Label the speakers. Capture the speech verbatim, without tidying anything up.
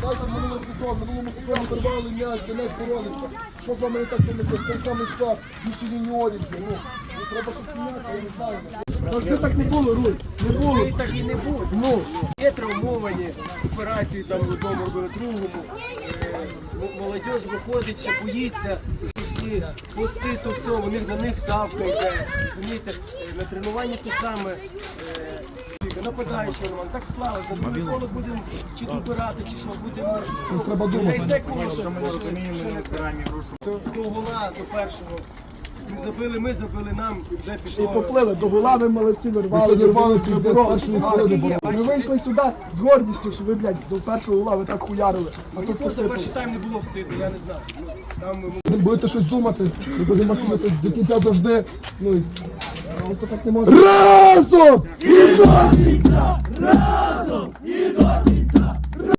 Speaker 1: Згадайте минулий сезон, минулому сезоні вирвали м'яч, за м'яч боролися. Що з вами не так тим? Той самий склад, більше юніорів. Ну, треба щось міняти, я не знаю. Завжди так не було, Руй, не було.
Speaker 2: І так і не буде.
Speaker 1: Ну.
Speaker 2: Є травмовані, операцію там в одному робили, другому. Е, молодіж виходить, ще боїться. Всі пости, то все, у них на них давка йде. Розумієте, на тренуванні те саме. Е, нападаючий Роман, так склалось, на другий коло будемо чи добирати, чи що, будемо щось.
Speaker 1: Треба думати.
Speaker 2: Та й це коло, що до, до гола, до першого. Ми забили, ми забили нам і вже
Speaker 1: І
Speaker 2: пішло.
Speaker 1: поплили, до гола ви молодці, вирвали, вирвали півдня першої хвилини. Ми вийшли сюди з гордістю, що ви, блядь, до першого гола ви так хуярили. А
Speaker 2: Мені
Speaker 1: тут
Speaker 2: просто
Speaker 1: посипали.
Speaker 2: перший тайм не було встигу, я не знаю. Там ми
Speaker 1: Ви будете щось думати, ви будемо стояти до кінця завжди. Ну, і... ну то так не може. Разом! І до кінця! Разом! І до